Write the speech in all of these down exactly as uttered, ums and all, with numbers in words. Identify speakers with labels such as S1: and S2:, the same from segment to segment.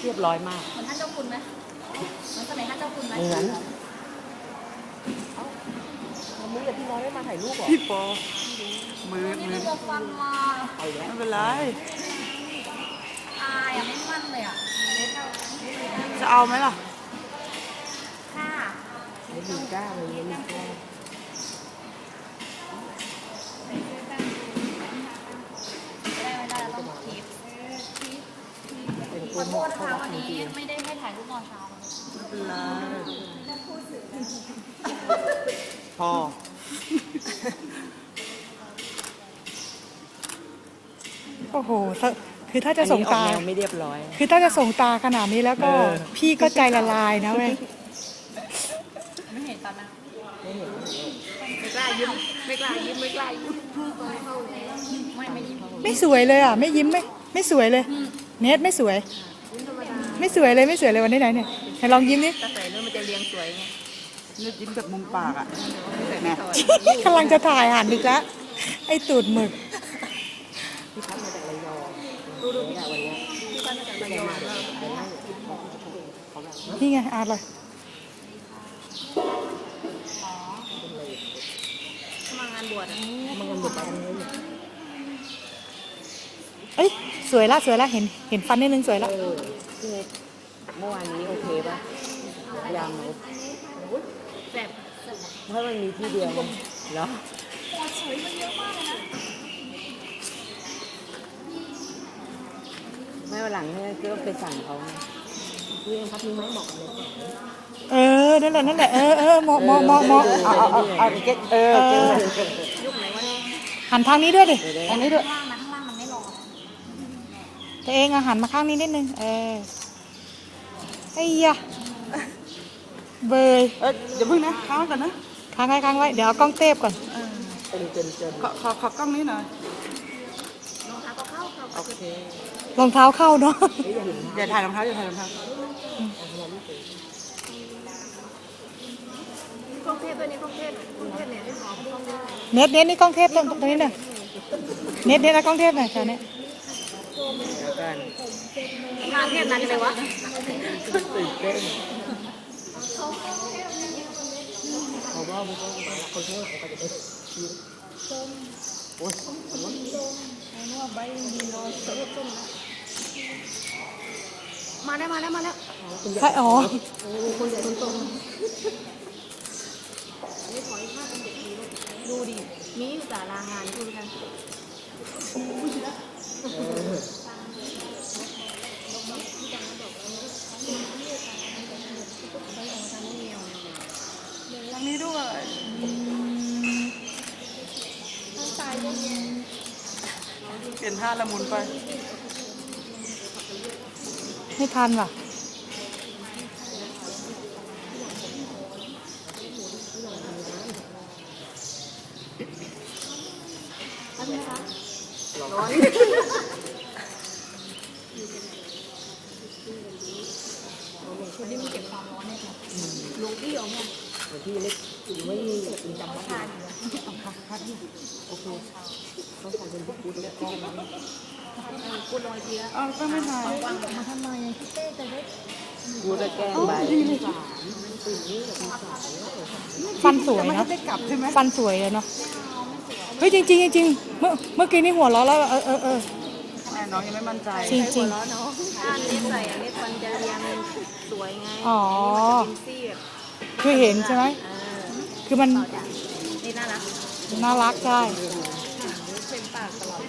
S1: เรียบร้อยมาก
S2: เหมือนท่านเจ้าคุณไหมเหมือนสมัยท่านเจ้าคุณไหม
S1: เหมือนวันนี้กับพี่น้อยไม่มาถ่ายรูปหรอพี่ปอมือมือ
S2: ตัวฟันมา
S1: ไม่เป็นไร
S2: อายอ่ะไม่มั่นเลยอ่ะ
S1: จะเอาไหมล่ะ
S2: ค่ะ
S1: ไม่มีกล้าเลยไม่มีกล้า
S2: ไม่ได้ไม่ได้ต้องคีบขอโทษนะคะวันนี้ไม่ได้ให้ถ่ายรูปตอนเช้า
S1: ไม่เป็นไรพอ
S3: โอ้โหคือถ้าจะส่งตา
S1: ไม่เรียบร้อย
S3: คือถ้าจะส่งตาขนาดนี้แล้วก็พี่ก็ใจละลายนะเว้ย
S2: ไม่เห็นตอนนั้น
S1: ไม่เห็น
S2: ไม่กล้ายิ้มไม่กล้ายิ้มไม่กล้ายิ้มไม่ไม่ยิ้ม
S3: ไม่สวยเลยอ่ะไม่ยิ้มไม่ไม่สวยเลยเนทไม่สวยไม่สวยเลยไม่สวยเลยวันนี้ไหนเนี่ยให้ลองยิ้มนี่
S2: แต่ใส่เนื้อมันจะเรียงสวยไง
S1: เนื้อยิ้มจากมุมปากอ่ะแม่
S3: กำลังจะถ่ายหันอีกแล้วไอ้ตูดหมึก
S1: พี่พัดมาจากระยองดูดูพี่วันนี้พี่พัดมาจากระยอง
S3: นี่ไงอาร์ตเลย
S2: มางานบวช
S1: มางานบวชแบบนี้
S3: เอ้ยสวยละสวยละเห็นเห็นฟันนิดนึงสวยละ
S1: เมื่อวานนี้โอเคป่ะยัง
S2: แบบ
S1: เพราะมันมีที่เดียวเหรอ
S2: สวยมันเยอะมากเลยนะ
S1: ไม่วันหลังเนี่ยก็ไปสั่งเขาเรื่องพัดมีไม้หมอกเลย
S3: เออนั่นแหละนั่นแหละเออเออมอมอมอมอเอาเอาเอาเอาเก็ตเออ
S2: ยุคไหนวะ
S3: หันทางนี้ด้วยดิทางนี้ด้วย
S2: ข้างล่างนะข้างล่างมันไม่รอ
S3: ตัวเองอะหันมาข้างนี้นิดนึงเออไอ้ยะเบย
S1: เออเดี๋ยวพึ่งนะค้างก่อนนะ
S3: ค้างไว้ค้างไว้เดี๋ยวเอากล้องเทปก่อน
S1: ขอขอขอกล้องนี้หน่อย
S2: รองเท้าก็เข้าเข้า
S1: โอเค
S3: รองเท้าเข้าเนาะ
S1: อย่าถ่ายรองเท้าอย่าถ่ายรองเท้า
S2: กล้องเทปด้วยนี่กล้องเทปกล้องเทปเนี่ยได้ขอพี่กล้องได้
S3: เน็ตเน็ตนี่กล้องเทปตรงตรงนี้หน่อยเน็ตเน็ตนะกล้องเทปหน่อยแถวนี้
S2: งานเทปนั้นเลยวะ
S1: ตื่นเต้นเขาว่าบุกคนช่วยเขาจะไปชิวโอ้ย
S2: มาได้มาแล้วมาแล้ว
S3: ใช่อ๋อ
S2: คนใหญ่คนโตนี่ขอให้ภาพเป็นเด็กดีดูดิมีอยู่แต่ลางานดูกัน
S1: ทางนี้ด้วยเปลี่ยนท่าละมุนไป
S3: ไม่ทันว่ะ
S2: ร้อนคนที่มันเก็บความร้อนเนี่ยลูกพี่เอาเนี่ย
S1: ที่เล็กไม่มีจำวัดอยู่พัดนี่โอเคเขาใส่เป็นพุทธแล้วก็
S2: กูลอยทีแล้ว
S3: อ๋อก็ไม่ถ่ายว
S2: างมาทำไมพี่เต้จะได้
S1: กูจะแก้ใบ
S3: ฟันสวยเนาะฟันสวยเลยเนาะเฮ้ยจริงจริงจริงเมื่อเมื่อกี้นี่หัวเราะแล้วเออเออเออ
S1: น้องยังไม่มั่นใจ
S3: จริงจริง
S2: อันนี้ใส่อันนี้ฟันจะเรียงสวยไง
S3: อ๋อคือเห็นใช่ไหมคือมัน
S2: นี่น่ารัก
S3: น่ารักใช่
S2: เป็นปากตลอด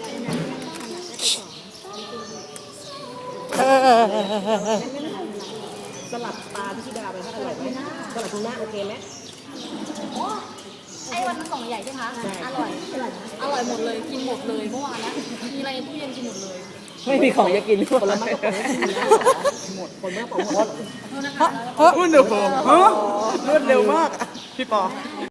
S3: เออเออเออเออ
S1: สลับปลาพิชิดาไปถ้าอร่อยไหมสลับทูน่าโอเคไหม
S2: ไอ้วันมันกล่องใหญ่ใช่ไหมอร่อยอร่อยหมดเลยกินหมดเลยเมื่อวานนะมีอะไรตู้เย็นกินหมดเลย
S1: ไม่มีของจะกินคนละมากก็หมดคนมากกว่าหมด
S3: เพราะ
S1: รวดเร็วรวดเร็วมากพี่ปอ